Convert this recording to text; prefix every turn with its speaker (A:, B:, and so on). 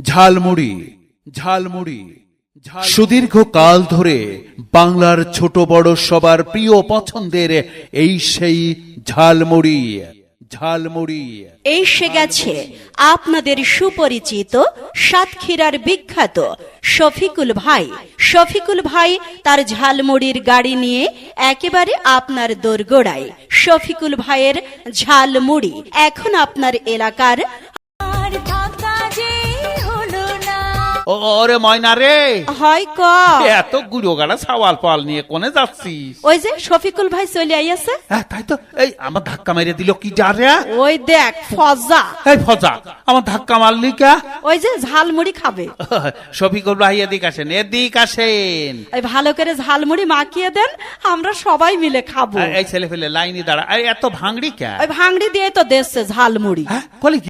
A: ঝালমুড়ি ঝালমুড়ি সুদীর্ঘ কাল ধরে বাংলার ছোট বড় সবার প্রিয় পছন্দের এই সেই ঝালমুড়ি ঝালমুড়ি
B: এসে গেছে আপনাদের সুপরিচিত সাতক্ষীরার বিখ্যাত শফিকুল ভাই। শফিকুল ভাই তার ঝালমুড়ির গাড়ি নিয়ে একেবারে আপনার দোরগোড়ায়। শফিকুল ভাইয়ের ঝালমুড়ি এখন আপনার এলাকার।
A: ওরে ময়না রে,
B: হয় ক
A: এত গুড়ো গাড়া সাওয়াল পাল নিয়ে কোনে যাচ্ছিস?
B: ওই যে শফিকুল ভাই চলে আইয়াছে।
A: তাই তো, এই আমার ধাক্কা মেরে দিল কি যা রে?
B: ওই দেখ ফজা,
A: এই ফজা আমার ধাক্কা মারলি কা?
B: ওই যে ঝালমুড়ি খাবে।
A: শফিকুল ভাই এদিক আসেন, এদিক আসেন।
B: ওই ভালো করে ঝালমুড়ি মাখিয়ে দেন, আমরা সবাই মিলে খাবো।
A: এই ছেলে ফেলে লাইনে দাঁড়া, এই এত ভাঙড়ি কে?
B: ওই ভাঙড়ি দিয়ে তো দেশে ঝালমুড়ি।
A: বলে